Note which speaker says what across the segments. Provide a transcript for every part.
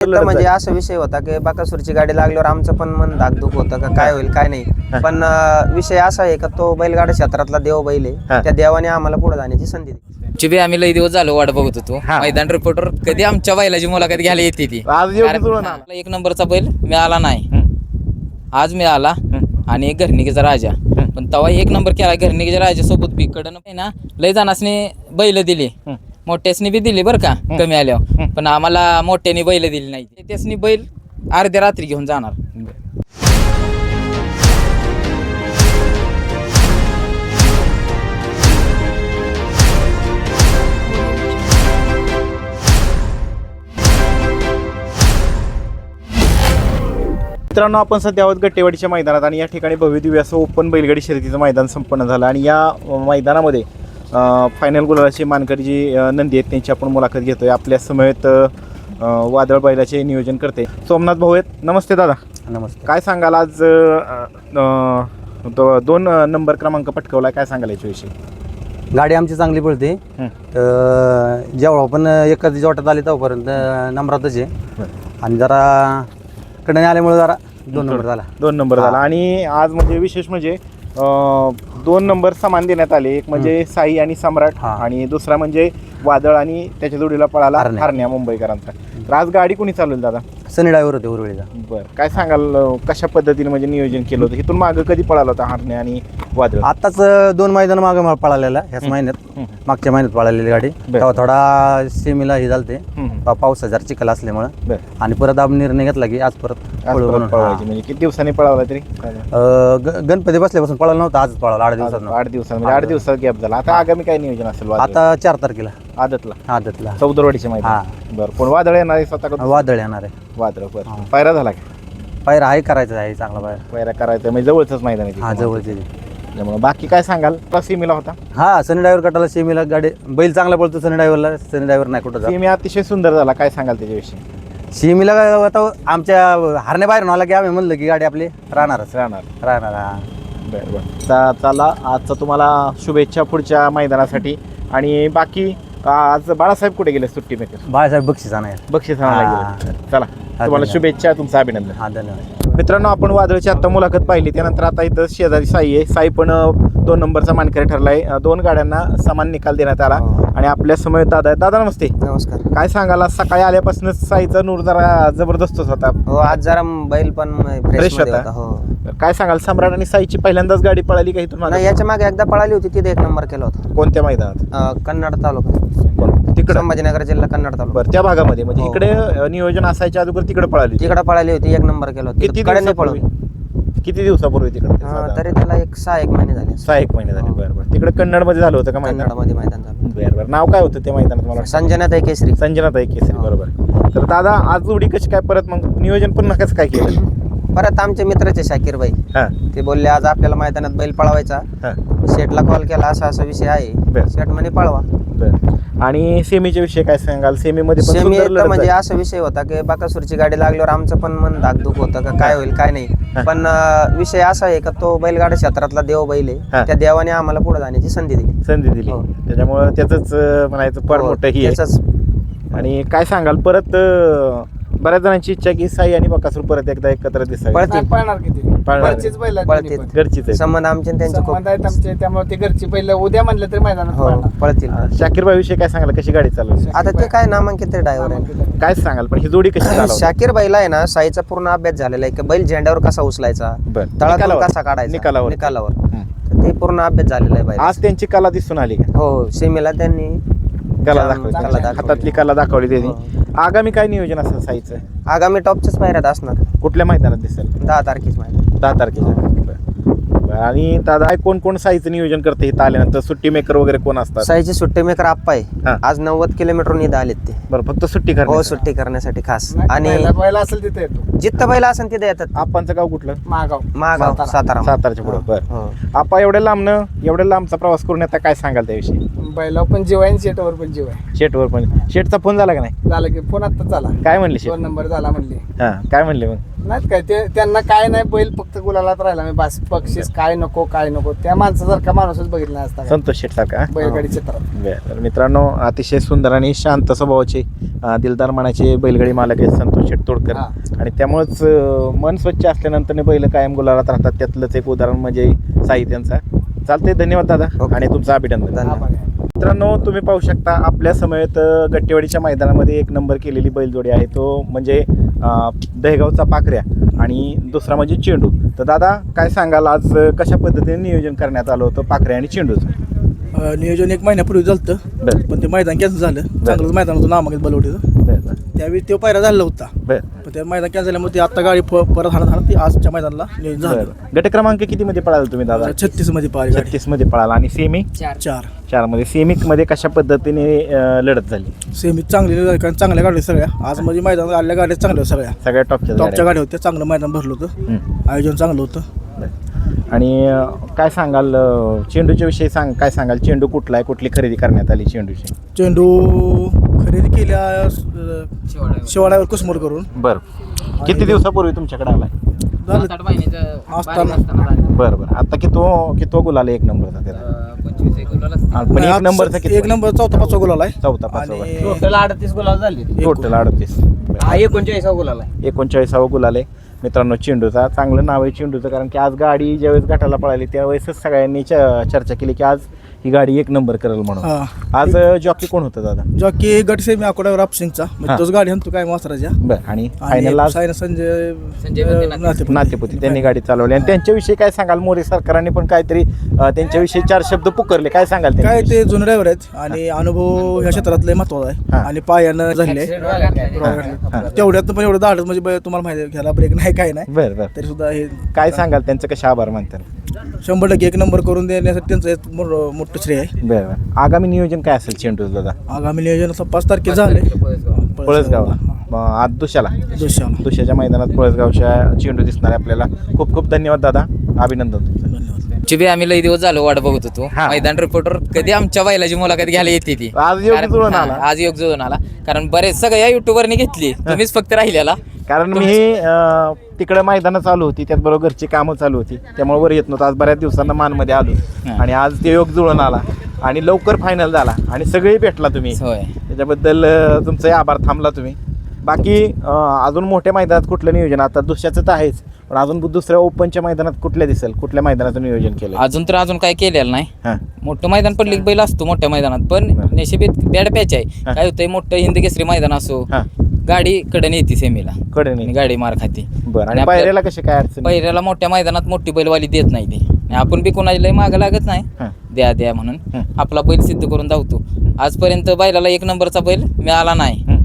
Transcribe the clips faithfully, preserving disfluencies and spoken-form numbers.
Speaker 1: तर म्हणजे असा विषय होता की बकासूरची गाडी लागल्यावर आमचं पण मन धाकधूक होतं का काय होईल काय नाही. पण अं, विषय असा आहे का तो बैलगाडा क्षेत्रातला देव बैल आहे. त्या देवाने आम्हाला पुढे जाण्याची संधी दिली.
Speaker 2: चिबी आम्ही लई दिवस झालो वाट बघत होतो. मैदान रिपोर्टर कधी आमच्या बैलाची मुलाखत घ्यायला येते ती. कारण एक नंबरचा बैल मिळाला नाही, आज मिळाला आणि घरणिकेचा राजा. पण तेव्हा एक नंबर केला घरणिकेच्या राजासोबत बी कडन ना लय जणांनी बैल दिली, मोठ्यासनी बी दिली बरं का कमी आल्यावर. पण आम्हाला मोठ्याने बैल दिली नाही. त्यासनी बैल अर्ध्या रात्री घेऊन जाणार.
Speaker 3: मित्रांनो, आपण सध्या आहोत गट्टेवाडीच्या मैदानात आणि या ठिकाणी भव्यदिव्य असं ओपन बैलगाडी शर्यतीचं मैदान संपन्न झालं. आणि या मैदानामध्ये फायनल गुलालाची मानकरी जी नंदी आहेत त्यांची आपण मुलाखत घेतोय. आपल्या समेत वादळ बैलाचे नियोजन करते सोमनाथ भाऊ आहेत. नमस्ते दादा.
Speaker 1: नमस्ते.
Speaker 3: काय सांगाल, आज दोन नंबर क्रमांक पटकवला, काय सांगाल याच्याविषयी?
Speaker 1: गाडी आमची चांगली पळते. जेव्हा पण एखादी जोटात आली तेव्हापर्यंत नंबरातच आहे. आणि जरा कडे आल्यामुळे जरा दोन नंबर झाला
Speaker 3: दोन नंबर झाला आणि आज म्हणजे विशेष म्हणजे दोन नंबर समान देण्यात आले. एक म्हणजे साई आणि सम्राट आणि दुसरा म्हणजे वादळ आणि त्याच्या जोडीला पळाला हरण्या मुंबईकरांचा. तर आज गाडी कोणी चालवली दादा?
Speaker 1: सनी ड्रायव्हर होते उरवेळीचा.
Speaker 3: बरं, काय सांगाल कशा पद्धतीने म्हणजे नियोजन केलं होतं? इथून मागं कधी पळाला होता हरण्या आणि वादळ?
Speaker 1: आताच दोन मैदान मागे पळालेला ह्याच महिन्यात, मागच्या महिन्यात पळालेली गाडी. तेव्हा थोडा सेमीला हे झालते पाऊस हजार चिखल असल्यामुळे. आणि परत आपण निर्णय घेतला की आज परत
Speaker 3: पळवायची. म्हणजे किती दिवसांनी पळाला तरी?
Speaker 1: गणपती बसल्यापासून पळाला नव्हता, आजच पळाला आठ दिवसात.
Speaker 3: आठ दिवसात म्हणजे आठ दिवसात गॅप झाला. आता आगामी काय नियोजन असेल?
Speaker 1: आता चार तारखेला
Speaker 3: आदतला
Speaker 1: आदतला
Speaker 3: चौदरवाडीचे मैदान. बरं, कोण वादळ येणार आहे स्वतः?
Speaker 1: वादळ येणार आहे.
Speaker 3: वादळ. बरं, पायरा झाला का?
Speaker 1: पायरा आहे, करायचा आहे चांगला पायरा.
Speaker 3: पायरा करायचा म्हणजे जवळच मैदान आहे.
Speaker 1: हा, जवळचे.
Speaker 3: त्यामुळे बाकी काय सांगाल? सीमीला होता
Speaker 1: हा, सनी ड्रायव्हर कटाला सेमीला गाडी बैल चांगला पळतो. सनी ड्रायव्हरला सनी ड्रायव्हर नाही कुठं.
Speaker 3: सीमी अतिशय सुंदर झाला, काय सांगाल त्याच्याविषयी?
Speaker 1: सीमीला आता आमच्या हरणे बाहेर आला की आम्ही म्हणलं की गाडी आपली राहणारच
Speaker 3: राहणार
Speaker 1: राहणार हा.
Speaker 3: बरं बरं, चला आजचा तुम्हाला शुभेच्छा पुढच्या मैदानासाठी. आणि बाकी आज बाळासाहेब कुठे गेले सुट्टी मेकर?
Speaker 1: बाळासाहेब बक्षीस आणाय
Speaker 3: बक्षीस आणायला गेले. चला, तुम्हाला शुभेच्छा, तुमचं अभिनंदन.
Speaker 1: हा, धन्यवाद.
Speaker 3: मित्रांनो, आपण वादळची आत्ता मुलाखत पाहिली. त्यानंतर आता इथं शेजारी साई आहे. साई पण दोन नंबरचा मानकरी ठरला आहे. दोन गाड्यांना समान निकाल देण्यात आला. आणि आपल्या समोर दादा आहे. दादा नमस्ते.
Speaker 1: नमस्कार.
Speaker 3: काय सांगाल, सकाळी आल्यापासून साईचा नूर जरा जबरदस्तच होता.
Speaker 1: हो, आज जरा बैल पण
Speaker 3: फ्रेश होता.
Speaker 1: हो.
Speaker 3: काय सांगाल, सम्राट आणि साईची पहिल्यांदाच गाडी पळाली का इथून?
Speaker 1: याच्या मागे एकदा पळाली होती, तिथे एक नंबर केला होता.
Speaker 3: कोणत्या मैदानात?
Speaker 1: कन्नड तालुका,
Speaker 3: तिकडे
Speaker 1: संभाजीनगर जिल्हा कन्नड तालुका.
Speaker 3: बरं, त्या भागामध्ये म्हणजे इकडे नियोजन असायच्या अगोदर तिकडे पळाली?
Speaker 1: तिकडे पळाली होती, एक नंबर केला होता.
Speaker 3: किती दिवसापूर्वी? किती दिवसापूर्वी तिकडे?
Speaker 1: तरी त्याला एक सहा एक महिने झाले.
Speaker 3: सहा एक महिने झाले. बरं बरं, तिकडे कन्नड मध्ये झालं होतं का मैदान?
Speaker 1: कन्नडमध्ये मैदान झालं.
Speaker 3: बरं बरं, नाव काय होतं ते मैदानात? मला
Speaker 1: संजनाताई केसरी.
Speaker 3: संजनाताई केसरी, बरोबर. तर दादा, आज जोडी कशी काय परत मग नियोजन पुन्हा कसं काय केलं?
Speaker 1: परत आमचे मित्राचे शाकीर बाई
Speaker 3: हा,
Speaker 1: ते बोलले आज आपल्याला मैदानात बैल पळवायचा.
Speaker 3: हा,
Speaker 1: शेटला कॉल केला, असा असा विषय आहे. शेट म्हणे पळवा.
Speaker 3: बरं. आणि सेमीच्या विषयी काय सांगाल? सेमीमध्ये पण
Speaker 1: सेमी
Speaker 3: सुंदर लढत
Speaker 1: म्हणजे
Speaker 3: झाली.
Speaker 1: असा विषय होता की बकासूरची गाडी लागल्यावर आमचं पण मन धाकधूक होतं का काय होईल काय नाही. पण अं, विषय असा आहे का तो बैलगाडा क्षेत्रातला देव बैल आहे. त्या देवाने आम्हाला पुढे जाण्याची संधी दिली
Speaker 3: संधी दिली.
Speaker 1: हो.
Speaker 3: त्याच्यामुळे त्याच म्हणायचं फार मोठं ही आहे.
Speaker 1: त्याचंच.
Speaker 3: आणि काय सांगाल, परत अं, बऱ्याच जणांची इच्छा की साई आणि बकासूर परत एकदा एकत्र दिसावे.
Speaker 1: पळतील.
Speaker 4: पळणार किती?
Speaker 3: पळणार.
Speaker 4: घरचीच बैल आहेत
Speaker 1: पळतील.
Speaker 4: दोन्ही
Speaker 3: घरचीच आहे.
Speaker 1: संबंध आमचे आणि त्यांचे खूप.
Speaker 4: संबंध आहेत आमचे, त्यामुळे ते घरची बैल उद्या म्हणलं तरी मैदानात
Speaker 1: हो,
Speaker 4: पळणार.
Speaker 1: पळतील.
Speaker 3: शाकीरबाई विषयी काय सांगाल, कशी गाडी चालवली?
Speaker 1: आता ते काय नामांकित ड्रायव्हर आहे.
Speaker 3: काय सांगाल, पण ही जोडी कशी चालवली?
Speaker 1: शाकीर बैला आहे ना, साईचा पूर्ण अभ्यास झालेला आहे की बैल झेंड्यावर कसा उचलायचा,
Speaker 3: बरं.
Speaker 1: तळातून
Speaker 3: निकालावर.
Speaker 1: कसा काढायचा
Speaker 3: निकालावर.
Speaker 1: निकालावर.
Speaker 3: हं.
Speaker 1: तर ते पूर्ण अभ्यास झालेला आहे बैल.
Speaker 3: आज त्यांची कला दिसून आली का?
Speaker 1: हो, सीमेला त्यांनी
Speaker 3: कला
Speaker 1: कला
Speaker 3: दाखवली,
Speaker 1: दाखवली.
Speaker 3: हातातली कला दाखवली त्यांनी.
Speaker 1: हो.
Speaker 3: आगामी काय नियोजन असेल साईचं?
Speaker 1: आगामी टॉपच्याच पायऱ्यात असणार.
Speaker 3: कुठल्या मैदानात दिसेल?
Speaker 1: दहा तारखेच माहिती.
Speaker 3: दहा तारखेच्या. बरं. बरं. आणि दादा, कोण कोण साईचं नियोजन करते इथं आल्यानंतर? सुट्टी मेकर वगैरे कोण असतात?
Speaker 1: साईचे सुट्टी मेकर आप्पा आहे.
Speaker 3: हा.
Speaker 1: आज नव्वद किलोमीटर इथं आलेत ते.
Speaker 3: बरं, फक्त सुट्टी
Speaker 1: हो,
Speaker 3: करणार?
Speaker 1: सुट्टी करण्यासाठी खास.
Speaker 4: आणि
Speaker 1: आणि
Speaker 4: बैल असेल तिथे येतो.
Speaker 1: जिथं बैल असेल तिथे येतात.
Speaker 3: आपणचं गाव कुठलं?
Speaker 4: महागाव
Speaker 1: महागाव,
Speaker 4: सातारा.
Speaker 1: सातारा.
Speaker 3: सातारच्या पुढे. बरं.
Speaker 1: हो.
Speaker 3: आपा एवढ्या लांबनं एवढ्या लांबचा प्रवास करून आता काय सांगाल त्याविषयी?
Speaker 4: बैला पण जीव आहे आणि शेटवर पण जीव आहे.
Speaker 3: शेटवर पण. शेटचा फोन झाला का नाही?
Speaker 4: झालं की फोन आत्ताच झाला.
Speaker 3: काय म्हणले शेट?
Speaker 4: दोन नंबर झाला म्हणले.
Speaker 3: हा, काय म्हणले मग?
Speaker 4: नाही काय ते त्यांना काय नाही बैल फक्त गुलालात राहिला मी बस बक्षीस काय नको काय नको त्या माणसासारखा माणूसच बघितला नाही असता
Speaker 3: संतोष शेठ सारखा
Speaker 4: बैलगाडी क्षेत्रात.
Speaker 3: तर मित्रांनो अतिशय सुंदर आणि शांत स्वभावाचे अं, दिलदार मनाचे बैलगाडी मालक आहेत संतोष शेठ तोडकर.
Speaker 4: हा.
Speaker 3: आणि त्यामुळंच अं, मन स्वच्छ असल्यानंतर बैल कायम गुलालात राहतात. त्यातलंच एक उदाहरण म्हणजे साई त्यांचा. चालते, धन्यवाद दादा आणि तुमचं अभिनंदन.
Speaker 4: आभार आहे.
Speaker 3: मित्रांनो तुम्ही पाहू शकता आपल्या समवेत अ, गट्टेवाडीच्या मैदानामध्ये एक नंबर केलेली बैलजोडी आहे, तो म्हणजे अ, दहेगावचा पाखऱ्या आणि दुसरा म्हणजे चेंडू. तर दादा काय सांगाल, आज अ, कशा पद्धतीने नियोजन करण्यात आलं होतं पाखऱ्या आणि चेंडूचं?
Speaker 5: अ, नियोजन एक महिन्यापूर्वी झालं
Speaker 3: बरं
Speaker 5: पण ते मैदान कॅन्सल झालं. चांगलंच मैदान होतं नामागेत बलवडीचं.
Speaker 3: बरं बरं
Speaker 5: त्यावेळी तो पायरा झाला होता
Speaker 3: बरं
Speaker 5: पण ते मैदान कॅन्सल झाल्यामुळे ते आता गाडी प- परत हाणत हाणत ती आजच्या मैदानाला नियोजन झालं.
Speaker 3: बरं. गट क्रमांक कितीमध्ये पळाला तुम्ही दादा?
Speaker 5: छत्तीस मध्ये पाहिजे गाडी
Speaker 3: छत्तीसमध्ये पळाला. आणि सेमी
Speaker 5: चार
Speaker 3: चारमध्ये सेमीमध्ये कशा पद्धतीने अ, लढत झाली?
Speaker 5: सेमी चांगली कारण चांगल्या गाड्या सगळ्या. आज म्हणजे मैदानात आलेल्या गाड्या चांगल्या होत्या सगळ्या.
Speaker 3: सगळ्या टॉपच्या
Speaker 5: टॉपच्या
Speaker 3: गाड्या.
Speaker 5: गाड्या होत्या. चांगलं मैदान भरलं होतं.
Speaker 3: हं.
Speaker 5: आयोजन चांगलं होतं.
Speaker 3: बरं. आणि अ, काय सांगाल अ, चेंडूच्या विषयी सांग काय सांगाल? चेंडू कुठला आहे, कुठली खरेदी करण्यात आली चेंडूची?
Speaker 5: चेंडू खरेदी केल्या अ, शेवाड्यावर कुसमोर करून
Speaker 3: बरं. किती दिवसापूर्वी तुमच्याकडे आलाय?
Speaker 5: झालं
Speaker 2: सात आठ महिन्याचं
Speaker 5: असताना-
Speaker 2: बारीक असताना झालं.
Speaker 3: बरं बरं. आता की तो की तो गुलाल एक नंबरचा त्याचा?
Speaker 2: अं, पंचवीस एक गुलाल असतील.
Speaker 3: हा, पण एक नंबरचा किती?
Speaker 5: एक नंबर चौथा पाचवा गोल आहे.
Speaker 3: चौथा पाचवा.
Speaker 5: आणि
Speaker 1: टोटल अडतीस गुलाल झाले.
Speaker 3: टोटल अडतीस.
Speaker 1: हा एकोणचाळीसा गुलाल आहे.
Speaker 3: एकोणचाळीसावा गुलाल आहे मित्रांनो चेंडूचा. चांगलं नाव आहे चेंडूचं, कारण की आज गाडी ज्यावेळेस गटाला पळाली त्यावेळेसच सगळ्यांनी च- चर्चा केली की आज ही गाडी एक नंबर करेल म्हणून.
Speaker 5: हा.
Speaker 3: आज जॉकी कोण होतं दादा?
Speaker 5: जॉकी गट सेमी आकोड्यावर अपसिंगचा
Speaker 3: हा.
Speaker 5: म्हणजे तोच गाडी आणतो काय मास्तराच्या.
Speaker 3: बरं. आणि फायनल आज
Speaker 5: सायना संजय
Speaker 2: संजय बंदे
Speaker 5: अ,
Speaker 2: नाते.
Speaker 5: नातेपुते.
Speaker 3: नातेपुती त्यांनी गाडी चालवली. आणि त्यांच्याविषयी काय सांगाल? मोरे सरकारांनी पण काहीतरी अं, त्यांच्याविषयी चार शब्द पुकारले, काय सांगाल
Speaker 5: काय
Speaker 3: त्यांच्याविषयी?
Speaker 5: ते जुने ड्रायव्हर आहेत आणि अनुभव ह्या क्षेत्रातले महत्वाचा
Speaker 3: हा.
Speaker 5: आहे. आणि पायानं झाले
Speaker 3: हा.
Speaker 5: तेवढ्यात पण एवढं धाडत म्हणजे ब- तुम्हाला माहिती आहे घ्यायला ब्रेक नाही काय नाही
Speaker 3: बरं बरं.
Speaker 5: तरी सुद्धा हे
Speaker 3: काय सांगाल त्यांचं कशा आभार मानतात?
Speaker 5: शंभर टक्के एक नंबर करून देण्यासाठी त्यांचं एक मो- मोठं श्रेय आहे.
Speaker 3: बरं बरं. आगामी नियोजन काय असेल चेंडूचं दादा?
Speaker 5: आगामी नियोजन असं पाच तारखेला झाले
Speaker 3: पळसगावला मग आज दुशाला
Speaker 5: दुसऱ्याला.
Speaker 3: दुशाच्या मैदानात पळसगावच्या चेंडू दिसणार आहे आपल्याला. खूप खूप धन्यवाद दादा, अभिनंदन तुमचं.
Speaker 5: धन्यवाद.
Speaker 2: चिबी आम्ही लई दिवस झालो वाट बघत होतो.
Speaker 3: हा.
Speaker 2: मैदान रिपोर्टर कधी आमच्या बैलाची मुलाखत घ्यायला येते ती.
Speaker 3: आज योग
Speaker 2: कारण-
Speaker 3: जुळून
Speaker 2: हा,
Speaker 3: आला.
Speaker 2: आज योग जुळून आला कारण बरेच सगळ्या युट्यूबरने घेतली, तुम्हीच फक्त राहिलेला.
Speaker 3: कारण मी अं, तिकडे मैदानं चालू होती, त्याचबरोबर घरची कामं चालू होती, त्यामुळे वर येत नव्हतं. आज बऱ्याच दिवसांना मानमध्ये आलो
Speaker 2: हा.
Speaker 3: आणि आज ते योग जुळून आला आणि लवकर फायनल झाला आणि सगळे भेटला तुम्ही.
Speaker 2: होय.
Speaker 3: त्याच्याबद्दल अं, तुमचे आभार. थांबला तुम्ही. बाकी अं, अजून मोठ्या मैदानात कुठलं नियोजन? आता दुसऱ्याचं तर आहेच, पण अजून दुसऱ्या ओपनच्या मैदानात कुठल्या दिसेल? कुठल्या मैदानाचं नियोजन केलं?
Speaker 2: अजून तर अजून काय केलेलं नाही.
Speaker 3: हां
Speaker 2: मोठं मैदान पडले की बैल असतो मोठ्या मैदानात, पण
Speaker 3: बरं.
Speaker 2: नशिबीत बॅड पॅच आहे.
Speaker 3: हा.
Speaker 2: काय होतंय, मोठं हिंद केसरी मैदान असो,
Speaker 3: हां
Speaker 2: गाडी कडे येते सेमीला
Speaker 3: कडे
Speaker 2: आणि
Speaker 3: नाही.
Speaker 2: गाडी मार खाती.
Speaker 3: बरं. आणि
Speaker 2: आपल्या-
Speaker 3: पायऱ्याला कशी काय अडचण?
Speaker 2: पहिल्याला मोठ्या मैदानात मोठी बैलवाली देत नाही ती आणि आपण बी कोणाला लय मागं लागत नाही,
Speaker 3: हां
Speaker 2: द्या द्या म्हणून
Speaker 3: हं.
Speaker 2: आपला बैल सिद्ध करून धावतो. आजपर्यंत बैलाला एक नंबरचा बैल मिळाला नाही,
Speaker 3: हं.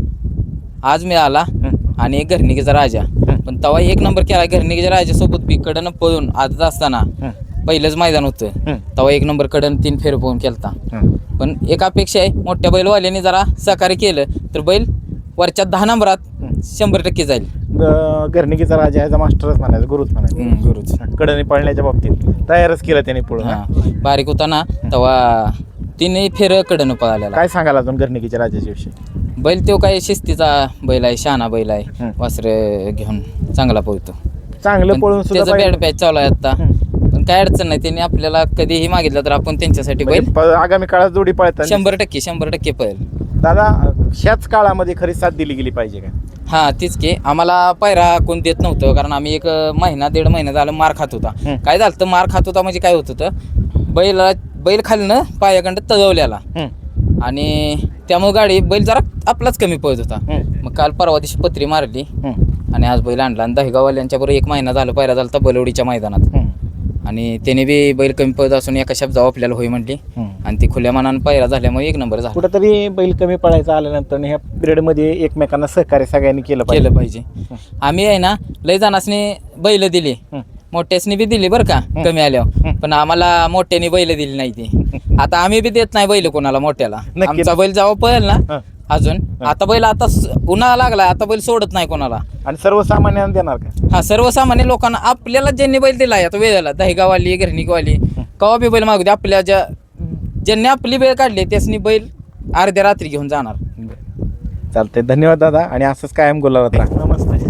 Speaker 2: आज मिळाला.
Speaker 3: हं.
Speaker 2: आणि एक घरनिकीचा राजा,
Speaker 3: हं.
Speaker 2: पण तेव्हा एक नंबर केला घरनिकीच्या राजासोबत बी कडनं पळून आजच असताना
Speaker 3: हं.
Speaker 2: पहिलंच मैदान होतं.
Speaker 3: हं.
Speaker 2: तेव्हा एक नंबर कडन तीन फेर पोहून केलता.
Speaker 3: हं.
Speaker 2: पण एक अपेक्षा आहे, मोठ्या बैलवाल्याने जरा सहकार्य केलं तर बैल वरच्या दहा नंबरात
Speaker 3: हं.
Speaker 2: शंभर टक्के जाईल.
Speaker 3: ग- घरनिकीचा राजा ह्याचा मास्टरच म्हणायचं, गुरुच म्हणायचं.
Speaker 2: हं, गुरुच.
Speaker 3: कडे पळण्याच्या बाबतीत तयारच केलं त्याने पुढं.
Speaker 2: हा, बारीक होता ना तेव्हा तिने फेर कडनं पळालेला.
Speaker 3: काय सांगाल अजून घरनिकीच्या राजाच्या विषयी?
Speaker 2: बैल तो काय शिस्तीचा बैल आहे, शहाणा बैल आहे,
Speaker 3: हं.
Speaker 2: वासरे घेऊन चांगला पळतो.
Speaker 3: चांगलं
Speaker 2: पण
Speaker 3: पळून सुद्धा
Speaker 2: त्याचं
Speaker 3: पाहिजे.
Speaker 2: बॅड पॅच चालू आहे आता,
Speaker 3: हं.
Speaker 2: पण काय अडचण नाही. त्यांनी आपल्याला कधीही मागितलं तर आपण त्यांच्यासाठी बैल
Speaker 3: म्हणजे प- आगामी काळात जोडी पळतात.
Speaker 2: शंभर टक्के शंभर टक्के पळेल.
Speaker 3: दादा ह्याच काळामध्ये खरी साथ दिली गेली पाहिजे का?
Speaker 2: हा तीच की, आम्हाला पायरा कोण देत नव्हतं कारण आम्ही एक महिना दीड महिना झालं मार खात होता.
Speaker 3: हं.
Speaker 2: काय झालं तर मार खात होता म्हणजे काय होत होतं, बैल बैल खालनं पायाकडं तजवल्याला
Speaker 3: हं.
Speaker 2: आणि त्यामुळे गाडी बैल जरा आपलाच कमी पळत होता.
Speaker 3: हं.
Speaker 2: मग काल परवा दिवशी पत्री मारली
Speaker 3: हं.
Speaker 2: आणि आज बैल आणला आणि दहेगाववाल्यांच्या बरोबर एक महिना झाला पायरा झाला बलवडीच्या मैदानात.
Speaker 3: हं.
Speaker 2: आणि त्याने बी बैल कमी पळत असून एका शब्दावर आपल्याला होई म्हटली
Speaker 3: हं.
Speaker 2: आणि ती खुल्या मनानं पायरा झाल्यामुळे एक नंबर झाला.
Speaker 3: कुठंतरी बैल कमी पळायचा आल्यानंतर ह्या पिरियडमध्ये एकमेकांना सहकार्य सगळ्यांनी केलं पाहिजे.
Speaker 2: केलं पाहिजे. आम्ही आहे ना लय जणांनी बैल दिली,
Speaker 3: हं.
Speaker 2: मोठ्यासनी बी दिली बरं का कमी आल्यावर,
Speaker 3: हं.
Speaker 2: पण आम्हाला मोठ्याने बैल दिली नाही ती. आता आम्ही बी देत नाही बैल कोणाला मोठ्याला.
Speaker 3: नक्की.
Speaker 2: आमचा बैल जेव्हा पळेल ना
Speaker 3: हं.
Speaker 2: अजून आता बैल आता स- उन्हाळा लागला, आता बैल सोडत नाही कोणाला.
Speaker 3: आणि सर्वसामान्यांना देणार का?
Speaker 2: हा सर्वसामान्य लोकांना आपल्याला ज्यांनी बैल दिलाय आता वेळेला दहेगावाली घरणीकवाली कवा बी बैल मागू दे, आपल्या ज्या ज्यांनी आपली बैल काढली त्यासनी बैल अर्ध्या रात्री घेऊन जाणार.
Speaker 3: चालतंय. धन्यवाद दादा आणि असंच कायम गुलाबात राहा. नमस्ते.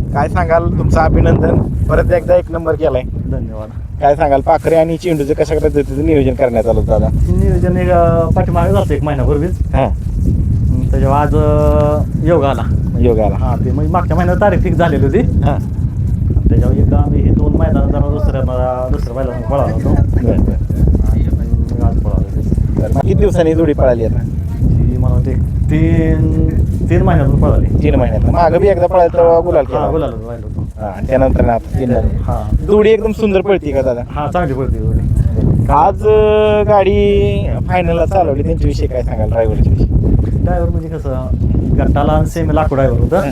Speaker 3: काय सांगाल, तुमचं अभिनंदन, परत एकदा एक नंबर केलाय.
Speaker 6: धन्यवाद.
Speaker 3: काय सांगाल, पाखरे आणि चेंडूचं कशा पद्धतीचं नियोजन करण्यात आलं दादा?
Speaker 6: नियोजन एक अं, पाठीमागे जातं एक महिन्यापूर्वीच.
Speaker 3: हां,
Speaker 6: त्याच्यावर आज अं, योग आला.
Speaker 3: योगाला.
Speaker 6: हां, ते म्हणजे मागच्या महिन्यात तारीख फिक्स झालेली होती.
Speaker 3: हां,
Speaker 6: त्याच्यावर एकदा आम्ही हे दोन मैदान जरा दुसऱ्या दुसऱ्या बैला पळालो होतो.
Speaker 3: बरं बरं
Speaker 6: आणि मग आज पळालो.
Speaker 3: बरं. मग किती दिवसांनी जोडी पळाली आता?
Speaker 6: ती मला वाटते तीन तीन महिन्यातून पळाली.
Speaker 3: तीन महिन्यात. मागं बी एकदा पळायला तेव्हा गुलाल
Speaker 6: हां,
Speaker 3: केला.
Speaker 6: बोलायला राहिलो होतो.
Speaker 3: हां, आणि त्यानंतर ना आता तीन झाले.
Speaker 6: हां
Speaker 3: जोडी एकदम सुंदर पळती का दादा?
Speaker 6: हां, चांगली पडते जोडी.
Speaker 3: आज अं, गाडी फायनलला चालवली, त्यांच्याविषयी काय सांगाल, ड्रायव्हरच्या विषयी?
Speaker 6: ड्रायव्हर म्हणजे कसं गट्टाला सेमी लाकूड ड्रायव्हर होतं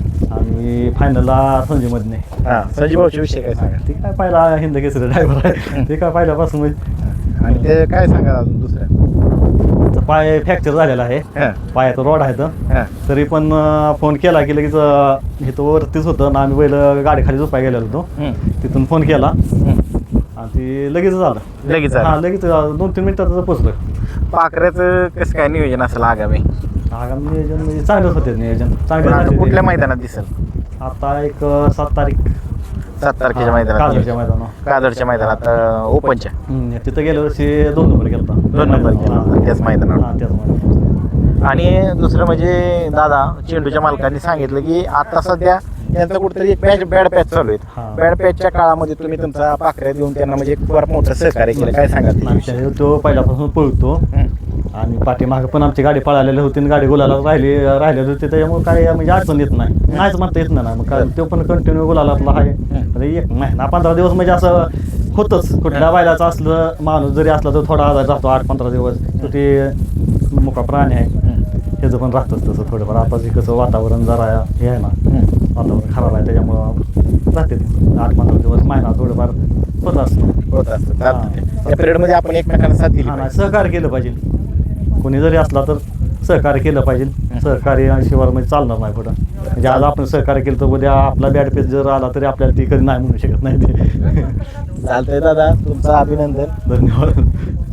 Speaker 6: आणि फायनलला संजय मधने.
Speaker 3: हां, संजीव भाऊच्या विषयी काय सांगाल?
Speaker 6: ते काय पहिला हिंद केसरी ड्रायव्हर आहे. ते काय पहिल्यापासून म्हणजे
Speaker 3: आणि ते काय सांगाल अजून दुसऱ्या?
Speaker 6: त्याचा पाय फ्रॅक्चर झालेला आहे.
Speaker 3: हां,
Speaker 6: पायाचा रॉड आहे तर
Speaker 3: हां,
Speaker 6: तरी पण अं, फोन केला की लगेच अं, इथं वरतीच होतं ना, आम्ही पहिलं गाडी खाली झोपाय गेलेलो होतो.
Speaker 3: हं,
Speaker 6: तिथून फोन केला
Speaker 3: हं.
Speaker 6: आणि ती लगेच झालं.
Speaker 3: लगेच
Speaker 6: हां,
Speaker 3: झालं.
Speaker 6: लगेच अं, दोन तीन मिनिटात पोचलं.
Speaker 3: पाखऱ्याचं कसं काय नियोजन असेल आगामी?
Speaker 6: आगामी नियोजन म्हणजे चांगलंच होते नियोजन चांगले
Speaker 3: पण आता
Speaker 6: झाले.
Speaker 3: कुठल्या मैदानात दिसेल?
Speaker 6: आता एक अं, सात तारीख
Speaker 3: सात तारखेच्या
Speaker 6: हां,
Speaker 3: मैदानात
Speaker 6: काजळच्या
Speaker 3: नियोजन.
Speaker 6: मैदानावर.
Speaker 3: कादरच्या मैदानात अं, ओपनच्या
Speaker 6: हम्म, तिथं गेल्या वर्षी दोन नंबर गेलता.
Speaker 3: दोन नंबर केला
Speaker 6: हां.
Speaker 3: त्याच मैदानावर.
Speaker 6: हां, त्याच मैदानावर.
Speaker 3: आणि दुसरं म्हणजे दादा, चेंडूच्या मालकांनी सांगितलं की आता सध्या त्यांचा कुठेतरी एक पॅच बॅड पॅच चालू आहेत.
Speaker 6: हां.
Speaker 3: बॅड पॅचच्या काळामध्ये तुम्ही तुमचा पाखऱ्या देऊन त्यांना म्हणजे एक फार मोठं सहकार्य केलं, काय सांगाल त्याविषयी?
Speaker 6: नाही, तो पहिल्यापासून पळतो
Speaker 3: हं,
Speaker 6: आणि पाठीमागे पण आमची गाडी पळालेली होती आणि गाडी गुलाला राहिली राहिलेली होती. त्याच्यामुळे काय म्हणजे अडचण येत नाही, नाहीच म्हणता येत नाही ना. मग काय तो पण कंटिन्यू गुलालातला आहे. तर एक महिना पंधरा दिवस म्हणजे असं होतंच. कुठल्या बैलाचं असलं माणूस जरी असला तर थोडा आजार राहतो आठ पंधरा दिवस. तर ते मुका प्राणी आहे, त्याचं पण राहतंच तसं थोडंफार. आता जे कसं वातावरण जरा हे आहे ना,
Speaker 3: हं.
Speaker 6: वातावरण खराब आहे त्याच्यामुळं राहते ते आठ पंधरा दिवस महिना थोडंफार होत असतं.
Speaker 3: होत असतं. चालतं ते.
Speaker 6: हां.
Speaker 3: त्या पिरियडमध्ये आपण एकमेकांना साथ दिली
Speaker 6: हा नाही,
Speaker 3: पाहिजे.
Speaker 6: सहकार्य केलं पाहिजे. कोणी जरी असला तर सहकार्य केलं पाहिजे. सहकार्य शिवाय म्हणजे चालणार नाही पुढं. म्हणजे आज आपण सहकार्य केलं तर उद्या आपला बॅड पेज जर आला तरी आपल्याला ती कधी नाही म्हणू शकत नाही ते.
Speaker 3: चालतंय दादा, तुमचं अभिनंदन.
Speaker 6: धन्यवाद.